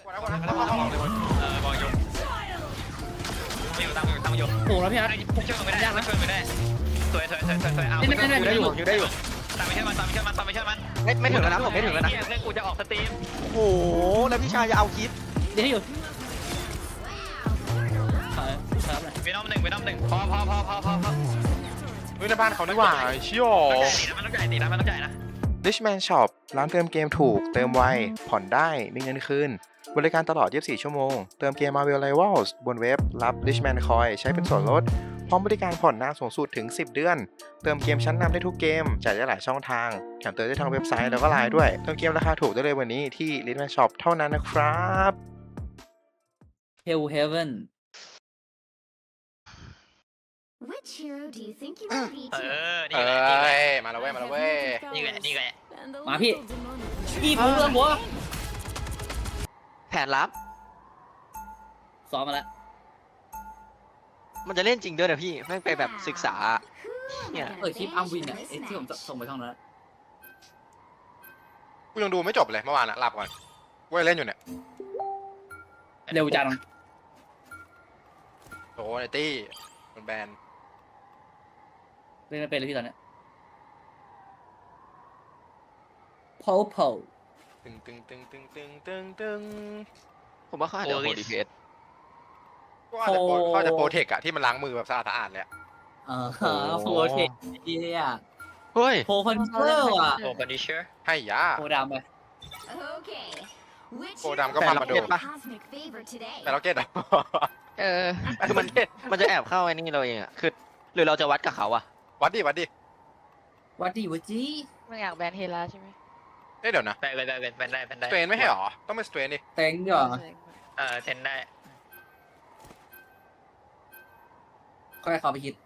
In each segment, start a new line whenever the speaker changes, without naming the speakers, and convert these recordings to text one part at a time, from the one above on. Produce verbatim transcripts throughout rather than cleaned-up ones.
เออบอลยกไม่อยู่ตั้งอยู่ตั้งอยู่
โอ้แล้วพี่อาร์ต
ช่วยไม่ได้ช่วยไม่ได้สวยสวยสวยสวยสวยเอา
ไม่ไม่ไม่
ได้อยู่อยู่ได้อยู่
ตามไปเชื่อมันตามไปเชื่อมันตามไปเชื่อมัน
ไม่ไม่ถึงแล้วนะผมไม่ถึงแล้วนะ
เพื่อนกูจะออกสตรีม
โอ้โหแล้วพี่ชายจะเอาคลิป
เดี๋ยวให้อยู่ครับเลย
เวนอมหนึ่งเวนอมหนึ่งพอพอพอพอพอพอ
เฮ้ยในบ้านเขานี่หว่าเชี่ยว
ตีนะมันต้องใหญ่ตีนะมันต้องใหญ่นะ
Richman Shop ร้านเติมเกมถูก เติมไว ผ่อนได้ มีเงินคืน บริการตลอด ยี่สิบสี่ ชั่วโมง เติมเกม Marvel Rivals บนเว็บ รับ Richman Coin ใช้เป็นส่วนลด พร้อมบริการผ่อนนานสูงสุดถึง สิบ เดือน เติมเกมชั้นนำได้ทุกเกม จ่ายได้หลายช่องทาง แถมเติมได้ทางเว็บไซต์แล้วก็ไลน์ด้วย เติมเกมราคาถูกได้เลยวันนี้ที่ Richman Shop เท่านั้นนะครับ
Hell Heaven
Which hero do you think you might be
เอ
today?
อ
เอ
นี่ไง
้ย มาแล้วเว้ย มาแล้วเว้ย
นี่ไงนี่ไง
มาพี่อีผมเรื่องหัว
แผนลับ
ซ้อมมาแล้ว
มันจะเล่นจริงด้วยนะพี่แม่งไปแบบศึกษา เนี่ย
เออคลิปอัมวินอ่ะไอ้ที่ผมส่งไปช่องนั้น
กูยังดูไม่จบเลยเมื่อวานอะหลับก่อนเว้ยเล่นอยู่เนี่ย
เร็วจัง
โอ้ไนตี้มันแบน
เล่นไม่เป็นเลยพี่ตอนเนี้ยโพโพ
ตึงตึงตึงตึงตึงตึงตึง
ผมว่าเขาอาจจะโหดดีพีเอส
ก็อาจจะโปรเขาอาจจะโปรเทคอะที่มันล้างมือแบบสะอาดสะอาดเลยอะ
เออโพเทคไอ้เหี้ย
เฮ้ย
โพคอนเทอร์อ่ะ
โอ้คอนดิเชอร์
ให้ยา
โพดำไป
Okay. Which
โปรดำก็พังมาโด
hero is your cosmic favorite today?
แต่เราเก็ตอะ
เออคือมันมันจะแอบเข้าไอ้นี่เราเองอะคือหรือเราจะวัดกับเขาอะ
วัดดิวัดดิ
วัดดีวัดจี
ไม่อยากแบนเฮล่าใช่ไหม
เอ้ยเดี๋ยวนะ
แบนเลยแบนเลยแบนได้แบนได้
สเตรนไม่ใช่หรอ ต้องเป็นสเตรนดิ
เต็งเหรอ
เออเทนได้
ค่อยเข้าไปคิด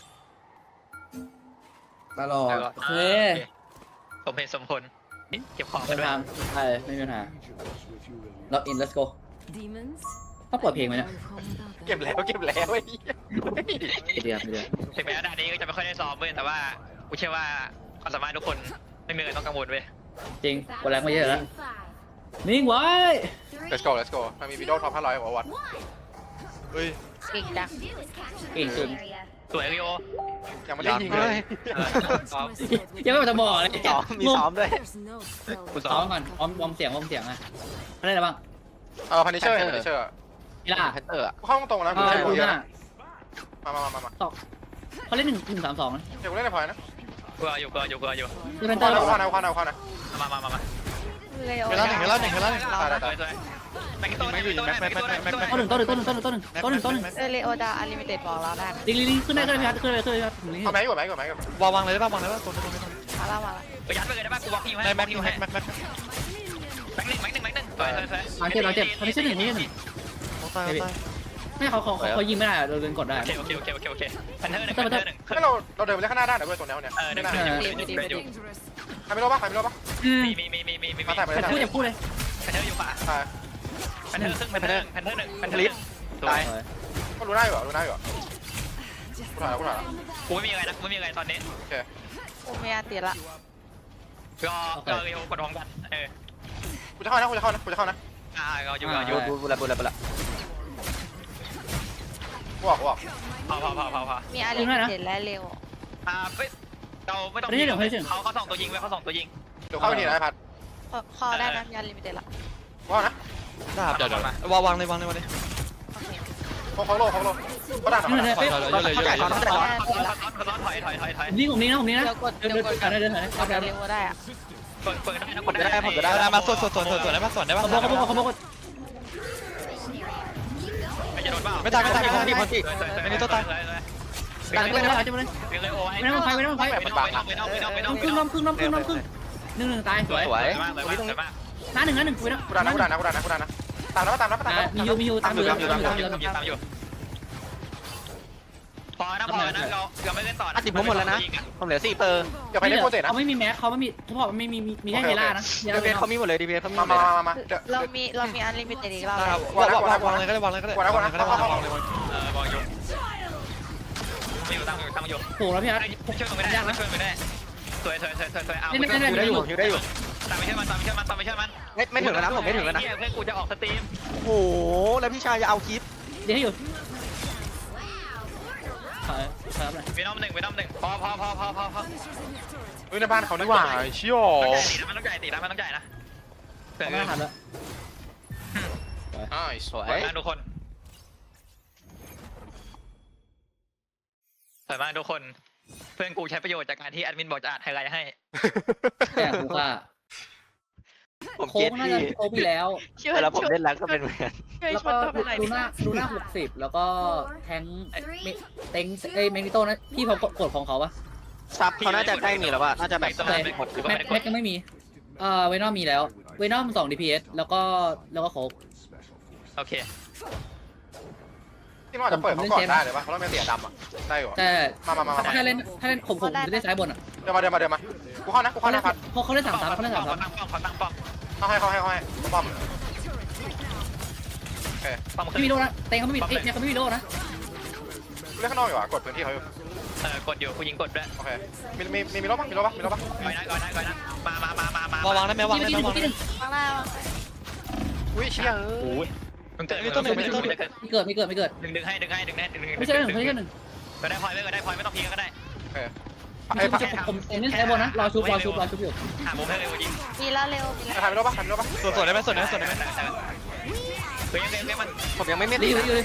ตลอดโอเค
สมเหตุสมผลเก็บของ
ไม่
กัน
มี
ด้วย
ปัญหาใช่ไม่มีปัญหาล็อกอิน let's go
Demons?
ต้องเปิดเพลงไหมเนี่ย
เก็บแล้วเก็บแล้วไอ้เหี้ย
ไม่เดียวไม่เดียว
ถึงแม้ว่าด่านนี้ก็จะไม่ค่อยได้ซ้อมเว้ยแต่ว่ากูเชื่อว่าความสามารถทุกคนไม่มีอะไรต้องกังวลเว้ย
จริงกดแรงไม่เยอะแล้วนิ่งไว้
let's go let's go มันมีวิดีโอท็อปห้าร้อยกว่าวัตเฮ้ย
เก่งจัง
เก่งจริง
สวยริโอ
ยังไม่ได้ยิงเลย
ซ้อม
ยังไม่มาจะบอกเลย
ซ้อมมีซ้อมด้วย
กูซ้
ซ้
อ
อ
ม
มก่อนวอร์มวอร์มเสียงวอร์มเสียงอ่ะอะไรได้บ้าง
เออพันนิเชอร์พันนิเชอร์
นี่ล่ะ
แพนเตอร์อะ
กูเข้าตรงๆนะ
เอ
กู
อ
เล่น
ดู
กูเย
ห
อะ
น้า
นะมามามามา
เขาเล่นหนึ่งหนึ่งสามสองนะ
เดี๋ยวกูเล่นในพอยนะ
กูเอาอยู่กูเอาอยู่กูเอาอยู่
คือเป็น
เข้า
เต้า
นะเข้านะเข้านะเข้านะ
มามามามา
เลยโอ้
เวลาหนึ่งเวลาหนึ่งเวลาหนึ่ง
ตายตาย
สวยสวยแม็กซ์ตัวหนึ่งตัวหนึ่งแม็กซ์ตัวหนึ่งแม็กซ์ตัวหนึ่ง
ต้นหนึ่งต้นหนึ่งต้นหนึ่งต้นหนึ่งต้นหนึ่งต้นหนึ่งต้นหนึ่ง
เออเลโอดาอลิมิเต็ดบอกเราได้นะ
ลิงลิงขึ้นได้ขึ้นได้ขึ้นได้ขึ้นได้
เอาแม็กอยู่แม็กอยู่แม็กอยู่
วางวางเลยได้ป่ะวางเลยได้ป่ะตัวนี้ตัวนี้
มาแล้วมาแล้ว
ไปยัดไปเลยได้ป่ะกูบอกพี่ให้
ได้แม็ก
พี่
แม็
ให้
กแม็กแม็ก
แม็กหนึ่งแม็กหนึ่งแม็กหนึ่งสวยสวยสวย
หลังเจ็บหลังเจ็บคนนี้ชื่อหนึ่งนี่หนึ่ง
ตายตาย
ไม่เขาเขาเขายิงไม่ได้เราเดินกดได้
โอเคโอเคโอเคโอเคโอเคพันเทอร์หนึ่งพันเทอร์หนึ่ง
ให้เราเราเดินไปเล่นข้างหน้าได้นะเว้ยตัวนี้เนี่ย
เออหนึ่งหนึ่งหนึ่งหนึ่งหนึ่งหนึ่ง
ใครไม่รู้ปะใครไม่รู้ปะ
มีมีมีมีมีมี
มาใส่ไป
แต่
ได้
พูดอย่าพูดเลย
พันเทอร์อยู่ป่ะ
ใช่
พันเทอร์ครึ่งพันเทอร์พันเทอร์หนึ่งพันเทอร์หนึ่งสวย
ก็รู้ได้อยู่รู้ได้อยู่กูถ่ายแล้วกูถ่ายแล้ว
กูไม่มีอะไรนะกูไม่มีอะไรตอนนี้
โอเค
โอเมียตีละ
ก็ก็เร็วกดพร้อมกันเออ
กูจะเข้านะกูจะเข้านะกูจะเข้านะ
อ่าเราอยู่เราอยู่
บูบูละบูละบูละ
กูบอกกูบอก
พอพอพอพอพอ
มีอลิมิเต็ดและเร็ว
อ่าไม่เราไม่ต้องเขาเขาส่งตัวยิงไว้เขาส่งตัวยิง
เดี๋ยวเข้าไปทีนะไอ้พัด
คอได้นะมีอลิมิเต็ดละ
กูเข้านะ
ได้เดี๋ยวเดี๋ยววางวางเลยวางเลยวางเลย
เขาเขาโลเขาโลเขาด่าหน่
นี่
อย
เลยเป๊ะ
เขาจ่ายเขาเขาจ่าย
เขาเขาถอยถอยถอยถอย
นี่ผมนี่นะผมนี่นะ
เดี๋ยวกด
เดิน
เดี๋ยว
เดิ
ก
น
ด
เดินเดินเดิน
กดเร็วได้อะ
เปิดเปิดได้นะ
ผมจะได้ผมจะได้ได้มาส่วนส่วนส่วนส่วนได้ป่ะส่วนได้ป่ะ
เขาบอกเขาบอกเขาบอก
ไม่จะโดนเปล่า
ไม่ตายไม่ตายมีคนตีคนตีไม่มีตัวตาย
ดันไปเลยจะไปเลย
เรื่องเลยโอ้ย
ไม่ต้องไฟไม่ต้องไฟ
ไม่ต้องไม่ต้องไม่ต้องไม่ต้องไม่
น้
ต้
อ
อง
งครึ่งน้องครึ่งน้องครึ่งน้องครึ่งหนึ่งหนึ่งตายสวย
สวย
มากเลยมากเลยมาก
น้าหนึ่งน้าหนึ่งคุยนะ
กูด่านะกูด่านะกูด่านะกูด่านะตามแล้วตามแล้วตามแล้ว
มียูมียูตามอยู่ตามอยู่ตามอยู่
ตามอยู่ตามอยู่พอนะพอนะเราเราไม่เล่นต่อ
อ่ะสิบผมหมดแล้วนะผมเหลือสี่เปอร์
อย่าไปเล่นโปรเจกต์นะ
เขาไม่มีแม็กเขาไม่มีเขาบอกไม่มีมีแค่เฮล่านะ
ดีเบสเขามีหมดเลยดีเบสเขามีหม
มา
ด
มา
เลย
มามาเดี๋ยว
เรามีเรามีอลิมิเต็ดอีกรอบ
วางวางวางเลยก็ได้วางเลยก็ได้วางเลยก็ได้วางเลย
เออบอลอยู่ไม่อยู่ตั้งอยู่ตั้งอยู่
โหแล้วพี่อาร์ต
ช่วยไม่ได้ช่วยไม่ได้สวยสวยสวยสวยสวยเอา
อยู่ได้อยู่อยู่ได้อยู่
ตามไปช่วยมันตามไปช่วยมันตามไปช่วยมัน
ไม่ไม่ถึงแล้วนะผมไม่ถึงแล้วนะ
เพื่อนกูจะออกสตรีม
โอ้โหแล้วพี่ชายจะเอาคลิป
เดี๋ยวให้อยู่ถอยถอยไป
เวนอมหนึ่งเวนอมหนึ่งพอพอพอพอพอพอ
เฮ้ยในบ้านเขาดีกว่าเชี่ย
มันต้องใหญ่ตีนะมันต้องใหญ่นะเพื่อน
ไม่ต้องทำแล้ว
อ้าวสวย
สวยมากทุกคนสวยมากทุกคนเพื่อนกูใช้ประโยชน์จากการที่แอดมินบอกจะอ่านไฮไลท์ให้
แต่กูว่า
ผม
โค้
เก็
ง
ต
น่า
พี่
จะโค้งไปแล้ว
ช่วย
แล้วผม
ช่วย
เล่นแล้วก็เป็นเหมือนกัน
ช่วย
แล้ว
ช
ก็
นตัวไปหน่อย
ดู
ดิ
หน้าดูหน้าหกสิบแล้วก็แทงเมเต็งเอ้ยแมกนิโต้นะพี่เขากดของเขาปะ
ซับเขาน่าจะใกล้มีแล้วว่าน่าจะแบบ
ใช่แม็กแม็กยังไม่มีเอ่อเวนอมมีแล้วเวนอมสอง ดี พี เอส แล้วก็แล้วก็โค้ง
โอเค
ที่มันอาจจะเปิดเขาก่อนได้เลยป่ะเพราะเราไม่เสียดำอ่ะได้อยู่
แต่
มามามามา
ถ้าเล่นถ้าเล่นผมผมจะเล่นซ้ายบนอ่ะ
เดี๋ยวมาเดี๋ยวมาเดี๋ยวมากูเข้านะกูเข้านะพัด
เพราะเขาเล่นสามสามเขาเล่นสามสาม
ตั้งป้อมเขาตั้งป้อม
เข้าให้เข้าให้เข้าให้ป้อม
ป้อม
ไม่มีโลนะเต็งเขาไม่มีเอ้ยเนี่ยเขาไม่มีโลนะ
กูเล่นข้างนอกอยู่อ่ะกดพื้นที่เขาอยู่
เออกดอยู่กูยิงกดด้วย
โอเคมีมีมีมีรถป่ะมีรถป่ะมีรถป่ะ
ก่อนนะก่อนนะก่อนนะมามามามามาว
างได้ไหมวางได้ไหมวาง
ที่หนึ่ง
ข้างล่าง
อุ้ยเชี่ย
โอ้ยมึงเกิด
ไม่เกิดไม่เกิดไม่เกิดไม่เกิด
ดึงดึงให้ดึงให้ดึงให้ดึงดึง
ไม่ใช่หนึ่งไม่ใช่หนึ่ง
ก็ได้พอยไม่ก็ได้พอยไม่ต้องพีก็ได้
ไอ้พัด
ผมผมเล่นซ้ายบนนะรอชุบรอชุบรอชุบอยู่
หามุมให้เร็วจริง
มีแล้วเร็วมีแล้ว
ถ่ายมีรถป่ะถ่ายมีรถป่ะ
ส่วนส่วนได้ไหมส่วนได้ไหมส่วนได้ไหม
เว้ยเว้ยเว้ยมัน
ผมยังไม่เม็ด
ดี
ดี
อยู่
นะ
ดีอยู่เลย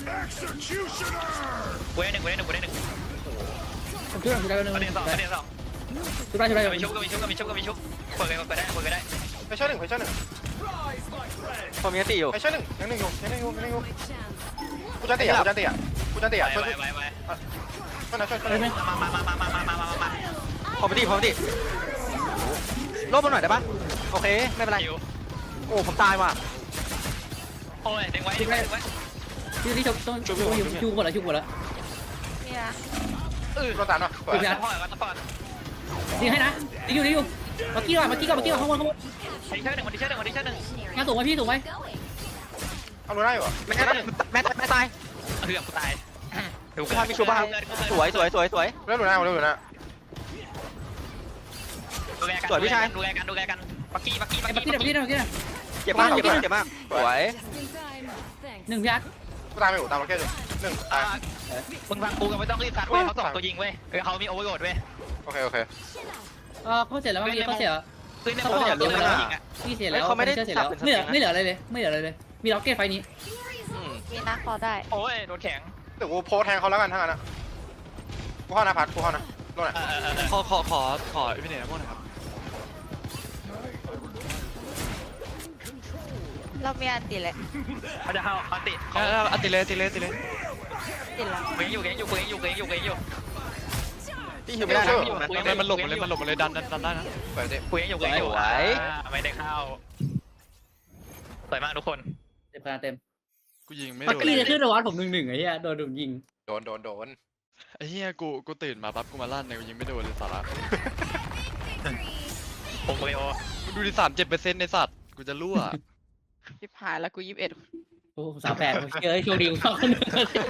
เว้ยหนึ่งเว้ยหนึ่งเว้ยหนึ่ง
ผมช่วยผมช่วยได้หนึ่ง
ประเด็นสองประเด็นสอง
ชุบได้ชุบได้
ก็มีชุบก็มีชุบก็มีชุบก็มีชุบเปิดเลยเปิดได้เปิดได้
ไปช่วยหนึ่งไปช่วยหนึ่ง
ผมยังตีอยู่
ไปช่วยหนึ่งยังหนึ่งอยู่ยังหนึ่งอยู่ยังหนึ่งอยู่กูจะเตะกูจะเตะกูจะเตะ
ไป
ช่วย
ไป
ช่วย
ไปไป
ช่วยนะช่วยช่วย
มามามามามามามามามา
ผมไม่ตีผมไม่ตีลบมาหน่อยได้ปะโอเคไม่เป็นไร
คิว
โอ้ผมตายว่ะ
โอ้ยดึงไว้ดึงไว้ดึงไว้
ที่ที่ชุบต้องชุบอยู่ชุบหมดแล้วชุบหมดแล้ว
มีนะ
เออ
รถตามหน่อย
ซัพพอร์ตซัพพอร์ต
ดีให้นะดีอยู่ดีอยู่มากี้ก่อนมากี้ก่อนมากี้ก่อนข้างบนข้างบน
คนที่เชื่อหนึ่งคนที่เชื่อหนึ่งคนที่เชื่อหนึ่ง
งานสูงไหมพี่สูงไหม
เอารู้ได้อยู่
แม่แม่แม่ตาย
เฮือกกูตายดู
พี่พามีชูบ้างสวยสวยสวยสวย
เล่นรู้ได้เล่นรู้ได้
ดูแลกันดูแลกันดูแลกันปักกี้ปักกี้ปั
ไอ้
ก
ปักกี้
กี้
ปักกี้ปักกี้
เจ็บมากเจ็บมากเจ็บมากสวย
หนึ่งพี่อาร์ต
กูตามไปอยู่ตามมาแค่หนึ่งหนึ่งตาย
มึงฟังกูกันไม่ต้องรีบซัดเว้ยเขาสองตัวยิงเว้ยเขามีโอเวอร์โหลดเว้ย
โอเคโอเค
เออเขาเสร็จแล้วเมื่อกี้เขาเสีย
คือในโอเวอร์โหลดตัวยิงอ่ะ
พี่เสียแล้วไม่เสียแล้วไม่เหลือไม่เหลืออะไรเลยไม่เหลืออะไรเลยมีล็อกเก็ตไฟนี้
มีนะพอได้
โอ้ยโดนแข็ง
เดี๋ยวกูโพสแทงเขาแล้วกันทั้งนั้นนะกูเข้านะพัดกูเข้านะโดนไหน
ขอขอขอขอพี่เนยพวกหน่อยครับ
เรามีอันติเลย
เขาจะเข้าเขาติ
เอออัติเลยอัติเลยอัติเลย
ติดแล้ว
เวงอยู่เวงอยู่เวงอยู่เวงอยู่เวงอยู่
พี่หิวไม่ได้นะ
มันมันหลบหมดเลยมันหลบหมดเลยดันดันดันได้นะ
เปิดดิ
เวงอยู่เวงอยู่ไม่ได้เข้าสวยมากทุกคน
เต็มคะแนนเต็ม
กูยิงไม่
ปัก
โดน
กี้จะขึ้นระวัดผมหนึ่งหนึ่งไอ้เหี้ยโดนดุยิง
โดนโดนโดน
ไอ้เหี้ยกูกูตื่นมาปั๊บกูมาลั่นเนี่ยกูยิงไม่โดนเลยสาระ
ผมเวโอ
กูดูดิสามเจ็ดเปอร์เซ็นต์ในสัตว์กูจะรั่ว
ชิบหายแล้วกูยี่สิบเอ็ด
โอ้สามแปดเจอไอ้โชคดีของเขาคนหนึ่ง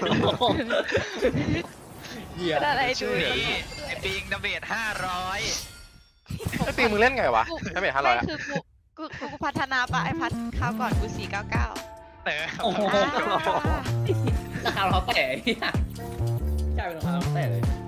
เหี้ย
ได้อะไรดู
ชื่อนี้ไอ้ปิงดับเบิลห้าร้อย
ไอ้ปีมึงเล่นไงวะไม่เป็นห้าร้อย
ไม่คือกูกูกูกูพัฒนาปะไอพัดคราวก่อนกูสี่เก้าเก้า
เออ
โอ้โหราคาเราแต่เนี่ยจ่ายเป็นราคาเราแต่เลย